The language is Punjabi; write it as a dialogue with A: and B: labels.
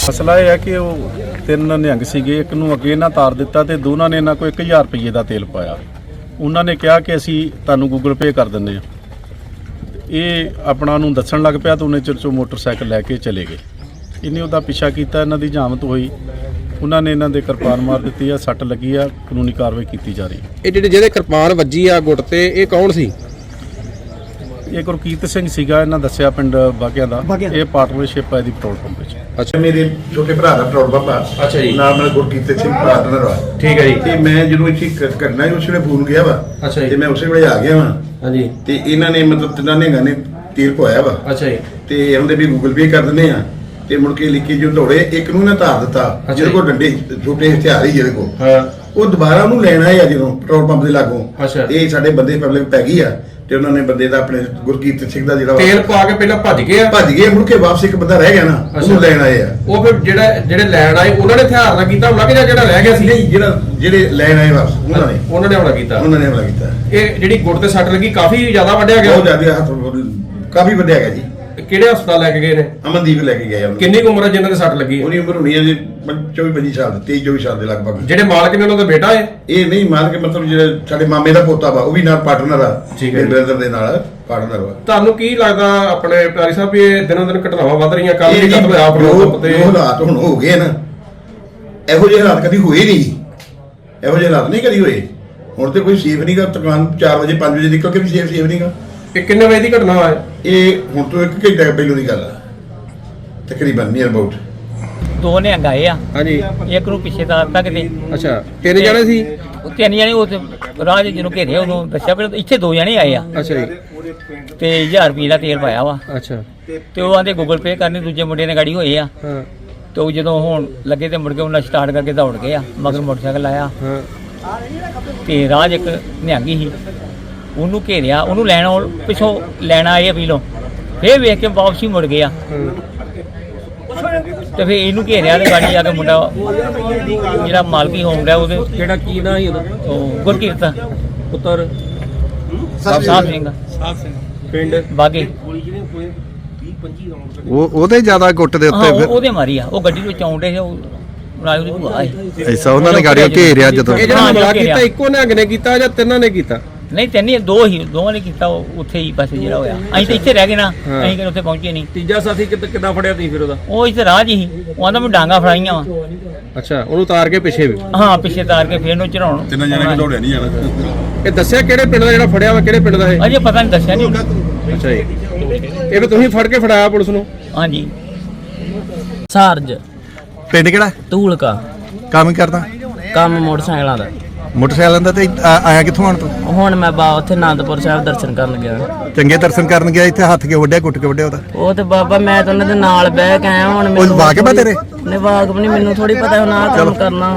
A: ਮਸਲਾ ਇਹ ਹੈ ਕਿ ਉਹ ਤਿੰਨ ਨਿਹੰਗ ਸੀਗੇ, ਇੱਕ ਨੂੰ ਅੱਗੇ ਨਾ ਤਾਰ ਦਿੱਤਾ ਤੇ ਦੋਨਾਂ ਨੇ ਇਹਨਾਂ ਕੋਲ 1000 ਰੁਪਏ ਦਾ ਤੇਲ ਪਾਇਆ। ਉਹਨਾਂ ਨੇ ਕਿਹਾ ਕਿ ਅਸੀਂ ਤੁਹਾਨੂੰ ਗੂਗਲ ਪੇ ਕਰ ਦਿੰਦੇ ਹਾਂ। ਇਹ ਆਪਣਾ ਨੂੰ ਦੱਸਣ ਲੱਗ ਪਿਆ ਤਾਂ ਉਹਨੇ ਚਿਰ 'ਚੋਂ ਮੋਟਰਸਾਈਕਲ ਲੈ ਕੇ ਚਲੇ ਗਏ। ਇਹਨੇ ਉਹਦਾ ਪਿੱਛਾ ਕੀਤਾ, ਇਹਨਾਂ ਦੀ ਜਾਮਤ ਹੋਈ, ਉਹਨਾਂ ਨੇ ਇਹਨਾਂ ਦੇ ਕਿਰਪਾਨ ਮਾਰ ਦਿੱਤੀ ਆ, ਸੱਟ ਲੱਗੀ ਆ, ਕਾਨੂੰਨੀ ਕਾਰਵਾਈ ਕੀਤੀ ਜਾ ਰਹੀ ਹੈ।
B: ਇਹ ਜਿਹਦੇ ਕਿਰਪਾਨ ਵੱਜੀ ਆ ਗੁੱਟ ਤੇ, ਇਹ ਕੌਣ ਸੀ?
A: ਇਹ ਗੁਰਕੀਰਤ ਸਿੰਘ ਸੀਗਾ, ਇਹਨਾਂ ਦੱਸਿਆ ਪਿੰਡ ਬਾਗਿਆਂ ਦਾ। ਇਹ ਪਾਰਟਨਰਸ਼ਿਪ ਹੈ ਇਹਦੀ ਪੈਟਰੋਲ ਪੰਪ ਵਿੱਚ।
B: ਅੱਛਾ,
C: ਮੇਰੇ ਛੋਟੇ ਭਰਾ ਦਾ ਪੈਟਰੋਲ ਪੰਪ ਆ।
B: ਅੱਛਾ ਜੀ।
C: ਨਾਲ ਮੇਰਾ ਗੁਰਕੀਰਤ ਸਿੰਘ ਪਾਰਟਨਰ ਆ।
B: ਠੀਕ ਹੈ ਜੀ।
C: ਤੇ ਮੈਂ ਜਦੋਂ ਇੱਥੇ ਕਰਨਾ ਉਸ ਵੇਲੇ ਫੋਨ ਗਿਆ ਵਾ।
B: ਅੱਛਾ ਜੀ।
C: ਤੇ ਮੈਂ ਉਸੇ ਵੇਲੇ ਆ ਗਿਆ ਵਾ।
B: ਹਾਂਜੀ।
C: ਤੇ ਇਹਨਾਂ ਨੇ ਮਤਲਬ ਤਿੰਨਾਂ ਨੇ ਗਾਣੇ ਤੀਰ ਪਵਾਇਆ ਵਾ।
B: ਅੱਛਾ ਜੀ।
C: ਤੇ ਉਹਦੇ ਵੀ ਗੂਗਲ ਪੇ ਕਰ ਦਿੰਦੇ ਆ। ਤੇ ਮੁੜ ਕੇ ਲਿਖੀ ਜੋ ਦੌੜੇ, ਇੱਕ ਨੂੰ ਨਾ ਧਾਰ ਦਿੱਤਾ ਜਿਹਦੇ ਕੋਲ ਡੰਡੇ ਛੋਟੇ ਹਥਿਆਰ ਹੀ ਜਿਹਦੇ ਕੋਲ।
B: ਹਾਂ।
C: ਉਹ ਦੁਬਾਰਾ ਉਹਨੂੰ ਲੈਣ ਆਏ ਆ ਜਦੋਂ ਪੈਟਰੋਲ ਪੰਪ ਦੇ ਲਾਗੋਂ।
B: ਅੱਛਾ।
C: ਇਹ ਸਾਡੇ ਬੰਦੇ ਪਬਲਿਕ ਪੈ ਗਈ ਆ ਤੇ ਉਹਨਾਂ ਨੇ ਬੰਦੇ ਦਾ ਆਪਣੇ ਗੁਰਕੀਰਤ ਸਿੰਘ ਦਾ ਜਿਹੜਾ
B: ਤੇਲ ਪਾ ਕੇ ਪਹਿਲਾਂ ਭੱਜ ਗਏ ਆ।
C: ਭੱਜ ਗਏ, ਮੁੜ ਕੇ ਵਾਪਸ ਇੱਕ ਬੰਦਾ ਰਹਿ ਗਿਆ ਨਾ, ਉਹਨੂੰ ਲੈਣ ਆਏ ਆ।
B: ਉਹ ਫਿਰ ਜਿਹੜੇ ਲੈਣ ਆਏ ਉਹਨਾਂ ਨੇ ਹਥਿਆਰ ਨਾਲ ਕੀਤਾ ਹਮਲਾ ਕਿ ਜਿਹੜਾ ਰਹਿ ਗਿਆ ਸੀ?
C: ਨਹੀਂ, ਜਿਹੜੇ ਲੈਣ ਆਏ ਵਾਪਸ ਉਹਨਾਂ ਨੇ
B: ਹਮਲਾ ਕੀਤਾ।
C: ਉਹਨਾਂ ਨੇ ਹਮਲਾ ਕੀਤਾ।
B: ਇਹ ਜਿਹੜੀ ਗੁੱਟ ਤੇ ਸੱਟ ਲੱਗੀ ਕਾਫੀ ਜ਼ਿਆਦਾ ਵੱਢਿਆ ਗਿਆ।
C: ਬਹੁਤ ਜ਼ਿਆਦਾ ਹੱਥ ਕਾਫੀ ਵੱਡਿਆ ਗਿਆ ਜੀ।
B: ਕਿਹੜੇ ਹਸਪਤਾਲ ਲੈ ਕੇ ਗਏ ਨੇ?
C: ਅਮਨਦੀਪ ਲੈ ਕੇ ਗਏ ਉਹਨੂੰ।
B: ਕਿੰਨੀ ਕੁ ਉਮਰ ਹੈ ਜਿਨ੍ਹਾਂ ਦੇ ਸੱਟ ਲੱਗੀ ਹੈ?
C: ਉਹਦੀ ਉਮਰ ਹੋਣੀ ਹੈ ਜੀ 24-25 ਸਾਲ, 23-24 ਸਾਲ ਦੇ ਲਗਭਗ।
B: ਜਿਹੜੇ ਮਾਲਕ ਨੇ ਉਹਨਾਂ ਦਾ ਬੇਟਾ ਹੈ?
C: ਇਹ ਨਹੀਂ ਮਾਰ ਕੇ ਮਤਲਬ ਜਿਹੜਾ ਸਾਡੇ ਮਾਮੇ ਦਾ ਪੋਤਾ ਵਾ, ਉਹ ਵੀ ਨਾਲ ਪਾਰਟਨਰ ਆ।
B: ਠੀਕ ਹੈ।
C: ਬ੍ਰਦਰ ਦੇ ਨਾਲ ਪਾਰਟਨਰ ਵਾ।
B: ਤੁਹਾਨੂੰ ਕੀ ਲੱਗਦਾ ਆਪਣੇ ਪਿਆਰੀ ਸਾਹਿਬ ਵੀ ਇਹ ਦਿਨੋਂ ਦਿਨ ਘਟਨਾਵਾਂ ਵੱਧ ਰਹੀਆਂ? ਕੱਲ ਵੀ ਕਤਲ ਹੋਇਆ ਪੈਟਰੋਲ ਪੰਪ ਤੇ।
C: ਜੋ ਹਾਲਾਤ ਹੁਣ ਹੋ ਗਏ ਨਾ, ਇਹੋ ਜਿਹੇ ਹਾਲਾਤ ਕਦੀ ਹੋਏ ਨਹੀਂ। ਇਹੋ ਜਿਹੇ ਹਾਲਾਤ ਨਹੀਂ ਕਦੀ ਹੋਏ। ਹੁਣ ਤੇ ਕੋਈ ਸੇਫ ਨਹੀਂਗਾ। ਦੁਕਾਨ 4 ਵਜੇ 5 ਵਜੇ ਨਿਕਲ ਕੇ ਵੀ ਸੇਫ ਨਹੀਂਗਾ।
B: ਇਹ ਕਿੰਨੇ ਵਜੇ ਦੀ ਘਟਨਾ ਹੈ?
C: ਇਹ ਹੁਣ ਤੋਂ 1 ਘੰਟਾ ਪਹਿਲਾਂ ਦੀ ਗੱਲ ਆ ਤਕਰੀਬਨ, ਨੀਅਰ ਅਬਾਊਟ।
D: ਦੋ ਨਿਹੰਗ ਆਏ ਆ।
B: ਹਾਂਜੀ।
D: ਇੱਕ ਨੂੰ ਪਿੱਛੇ ਤਾਰਤਾ ਕਿਤੇ।
B: ਅੱਛਾ, ਤਿੰਨ ਜਣੇ ਸੀ?
D: ਉਹ ਤਿੰਨ ਜਣੇ ਉਹ ਰਾਹ ਜਿਹਨੂੰ ਘੇਰਿਆ ਉਹਨੂੰ ਦੱਸਿਆ ਪਰ ਇੱਥੇ ਦੋ ਜਣੇ ਆਏ ਆ
B: ਅੱਛਾ ਜੀ।
D: ਤੇ 1000 ਰੁਪਏ ਦਾ ਤੇਲ ਪਾਇਆ ਵਾ।
B: ਅੱਛਾ।
D: ਤੇ ਉਹ ਆਂਦੇ ਗੂਗਲ ਪੇ ਕਰਨੀ, ਦੂਜੇ ਮੁੰਡੇ ਨੇ ਗਾੜੀ ਹੋਏ ਆ।
B: ਹਾਂ।
D: ਤੇ ਉਹ ਜਦੋਂ ਹੁਣ ਲੱਗੇ ਤੇ ਮੁੜ ਕੇ ਉਹਨਾਂ ਸਟਾਰਟ ਕਰਕੇ ਦੌੜ ਗਏ ਆ, ਮਗਰ ਮੋਟਰਸਾਈਕਲ ਆਇਆ।
B: ਹਾਂ।
D: ਤੇ ਰਾਹ 'ਚ ਇੱਕ ਨਿਹੰਗੀ ਸੀ, ਉਹਨੂੰ ਘੇਰਿਆ, ਉਹਨੂੰ ਪਿੱਛੋਂ ਲੈਣਾ ਆਏ ਅਪੀਲੋਂ, ਫੇਰ ਵੇਖ ਕੇ ਵਾਪਸੀ ਮੁੜ ਗਿਆ। ਤੇ ਫੇਰ ਇਹਨੂੰ ਘੇਰਿਆ ਤੇ ਗਾੜੀ ਆ ਕੇ ਮੁੰਡਾ ਜਿਹੜਾ ਮਾਲਕੀ ਹੋਮ ਰਿਹਾ ਉਹਦੇ
B: ਕਿਹੜਾ ਕੀ ਨਾਂ ਸੀ ਉਹਦਾ?
D: ਉਹ ਗੁਰਕੀਰਤ
B: ਪੁੱਤਰ
D: ਸਾਹਿਬ ਸਿੰਘ
B: ਪਿੰਡ
D: ਬਾਗੇ।
E: ਉਹਦੇ ਜ਼ਿਆਦਾ ਗੁੱਟ ਦੇ ਉੱਤੇ ਫਿਰ
D: ਉਹਦੇ ਮਾਰੀ ਆ। ਉਹ ਗੱਡੀ ਵਿੱਚ ਆਉਂਦੇ ਸੀ, ਉਹ ਰਾਜੂ ਦੀ ਭੂਆ ਸੀ।
E: ਐਸਾ ਉਹਨਾਂ ਨੇ ਗਾੜੀਆਂ ਘੇਰਿਆ ਜਦੋਂ।
B: ਇਹ ਜਿਹੜਾ ਹਮਲਾ ਕੀਤਾ ਇੱਕੋ ਨਿਹੰਗ ਨੇ ਕੀਤਾ ਜਾਂ ਤਿੰਨਾਂ ਨੇ ਕੀਤਾ?
D: ਨਹੀਂ ਤਿੰਨ ਦੋ ਹੀ, ਦੋਵਾਂ ਨੇ ਕੀਤਾ। ਉਹ ਉੱਥੇ ਹੀ ਬਸ ਜਿਹੜਾ ਹੋਇਆ। ਅਸੀਂ ਤਾਂ ਇੱਥੇ ਰਹਿ ਗਏ ਨਾ, ਅਸੀਂ ਕਿਤੇ ਉੱਥੇ ਪਹੁੰਚੇ ਨਹੀਂ।
B: ਤੀਜਾ ਸਾਥੀ ਕਿੱਦਾਂ ਫੜਿਆ ਤੁਸੀਂ ਫਿਰ ਉਹਦਾ?
D: ਉਹ ਇੱਥੇ ਰਾਹ 'ਚ ਹੀ, ਉਹ ਆਂਦਾ ਮੈਂ ਡਾਂਗਾ ਫੜਾਈਆਂ ਵਾ।
B: ਅੱਛਾ, ਉਹਨੂੰ ਤਾਰ ਕੇ ਪਿੱਛੇ ਵੀ?
D: ਹਾਂ, ਪਿੱਛੇ ਤਾਰ ਕੇ ਫੇਰ ਉਹਨੂੰ ਚੜਾਉਣ।
C: ਤਿੰਨਾਂ ਜਣੇ ਕਿ ਦੌੜਿਆ ਨਹੀਂ ਜਾਣਾ।
B: ਇਹ ਦੱਸਿਆ ਕਿਹੜੇ ਪਿੰਡ ਦਾ ਜਿਹੜਾ ਫੜਿਆ ਵਾ? ਕਿਹੜੇ ਪਿੰਡ ਦਾ ਇਹ?
D: ਅਜੇ ਪਤਾ ਨਹੀਂ, ਦੱਸਿਆ ਨਹੀਂ।
B: ਅੱਛਾ ਜੀ। ਇਹ ਵੀ ਤੁਸੀਂ ਫੜ ਕੇ ਫੜਾਇਆ ਪੁਲਿਸ ਨੂੰ?
D: ਹਾਂਜੀ। ਸਾਰਜ
E: ਪਿੰਡ ਕਿਹੜਾ?
D: ਧੂਲਕਾ।
E: ਕੰਮ ਹੀ ਕਰਦਾ?
D: ਕੰਮ ਮੋਟਰਸਾਈਕਲਾਂ ਦਾ।
E: ਮੋਟਰਸਾਈਕਲਾਂ ਦਾ। ਤੇ ਆਇਆ ਕਿੱਥੋਂ ਆਣ ਤੂੰ?
D: ਹੁਣ ਮੈਂ ਉੱਥੇ ਆਨੰਦਪੁਰ ਸਾਹਿਬ ਦਰਸ਼ਨ ਕਰਨ ਗਿਆ।
E: ਚੰਗੇ ਦਰਸ਼ਨ ਕਰਨ ਗਿਆ? ਇੱਥੇ ਹੱਥ ਕੇ ਵੱਢਿਆ, ਕੁੱਟ ਕੇ ਵੱਢਿਆ ਉਹਦਾ?
D: ਉਹ ਤੇ ਬਾਬਾ ਮੈਂ ਤਾਂ ਉਹਨਾਂ ਦੇ ਨਾਲ ਬਹਿ ਕੇ ਆਇਆ। ਹੁਣ
E: ਉਹ ਵਾਕਿਆ ਤੇਰੇ?
D: ਨੇ ਵਾਕਬ ਨਹੀਂ, ਮੈਨੂੰ ਥੋੜੀ ਪਤਾ ਹੁਣ ਆਹ ਕੰਮ ਕਰਨਾ।